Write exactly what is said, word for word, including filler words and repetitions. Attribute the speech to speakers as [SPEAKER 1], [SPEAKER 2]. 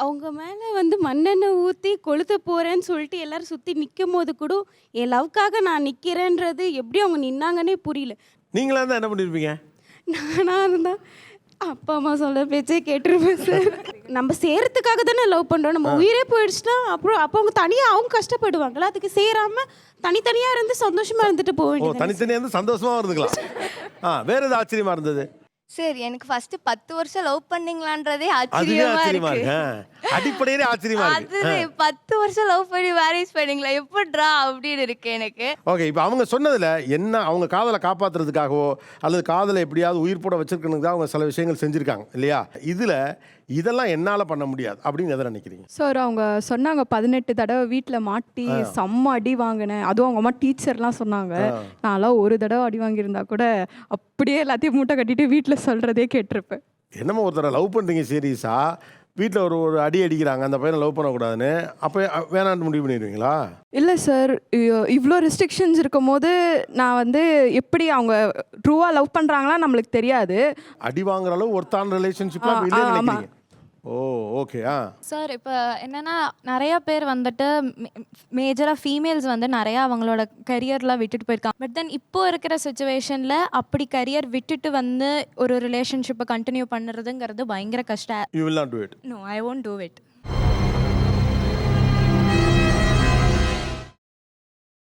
[SPEAKER 1] அவங்க மேலே வந்து மண்ணெண்ணெய் ஊற்றி கொளுத்த போகிறேன்னு சொல்லிட்டு எல்லாரும் சுற்றி நிற்கும் போது கூட என் லவ்க்காக நான் நிற்கிறேன்றது எப்படி அவங்க நின்னாங்கன்னே புரியல.
[SPEAKER 2] நீங்களா இருந்தால் என்ன பண்ணியிருப்பீங்க?
[SPEAKER 1] நானாக இருந்தால் அப்பா அம்மா சொல்ல பேச்சே கேட்டிருப்பேன் சார். நம்ம சேரத்துக்காக தானே லவ் பண்ணுறோம். நம்ம உயிரே போயிடுச்சுன்னா அப்புறம் அப்போ அவங்க தனியாக அவங்க கஷ்டப்படுவாங்களா? அதுக்கு சேராமல் தனித்தனியாக இருந்து சந்தோஷமாக இருந்துட்டு போக
[SPEAKER 2] ஓ
[SPEAKER 1] வேண்டியது.
[SPEAKER 2] தனித்தனியாக இருந்து சந்தோஷமாக இருந்துக்கலாம். ஆ வேற எது ஆச்சரியமா இருந்தது?
[SPEAKER 3] சார் எனக்கு ஃபர்ஸ்ட் பத்து வருஷம் லவ் பண்ணீங்களான்றதே
[SPEAKER 2] அதுவே
[SPEAKER 3] ஆச்சரியமா
[SPEAKER 2] ஆச்சரியமா
[SPEAKER 3] இருக்கு.
[SPEAKER 2] இருக்கு. ஆ, அடிப்படையிலே ஆச்சரியமா இருக்கு.
[SPEAKER 3] அது பத்து வருஷம் லவ் பண்ணி மேரேஜ் பண்ணீங்களா எப்படிரா அப்படின்னு இருக்கு எனக்கு.
[SPEAKER 2] ஓகே, இப்போ அவங்க சொன்னதுல என்ன அவங்க காதலை காப்பாத்துறதுக்காகவோ அல்லது காதலை எப்படியாவது உயிர் போட வச்சிருக்கணுக்கு அவங்க சில விஷயங்கள் செஞ்சிருக்காங்க இல்லையா? இதுல இதெல்லாம் என்னால பண்ண முடியாது அப்படின்னு எதை நினைக்கிறீங்க?
[SPEAKER 4] சார் அவங்க சொன்னாங்க பதினெட்டு தடவை வீட்டில் மாட்டி செம்ம அடி வாங்கினேன். அதுவும் அவங்க அம்மா டீச்சர்லாம் சொன்னாங்க. நான்லாம் ஒரு தடவை அடி வாங்கியிருந்தா கூட அப்படியே எல்லாத்தையும் மூட்டை கட்டிட்டு வீட்டில் சொல்கிறதே கேட்டிருப்பேன்.
[SPEAKER 2] என்னமோ ஒருத்தரை லவ் பண்ணுறீங்க சீரியஸா, வீட்டில் ஒரு ஒரு அடி அடிக்கிறாங்க அந்த பையனை லவ் பண்ணக்கூடாதுன்னு, அப்போ வேணான்னு முடிவு பண்ணிடுவீங்களா?
[SPEAKER 4] இல்லை சார், இவ்வளோ ரெஸ்ட்ரிக்ஷன்ஸ் இருக்கும் போது நான் வந்து எப்படி அவங்க ட்ரூவாக லவ் பண்ணுறாங்களா நம்மளுக்கு தெரியாது.
[SPEAKER 2] அடி வாங்குற அளவு ஒருத்தான ரிலேஷன்ஷிப்ல இல்லைன்னு நினைக்கிறீங்க? ஓ ஓகே. ஆ
[SPEAKER 5] சார் இப்போ என்னென்னா நிறையா பேர் வந்துட்டு மேஜராக ஃபீமேல்ஸ் வந்து நிறையா அவங்களோட கரியர்லாம் விட்டுட்டு போயிருக்காங்க. பட் தென் இப்போ இருக்கிற சுச்சுவேஷனில் அப்படி கரியர் விட்டுட்டு வந்து ஒரு ரிலேஷன்ஷிப்பை கண்டினியூ பண்ணுறதுங்கிறது பயங்கர கஷ்டம்.
[SPEAKER 2] You will not do it.
[SPEAKER 5] No, I won't do it.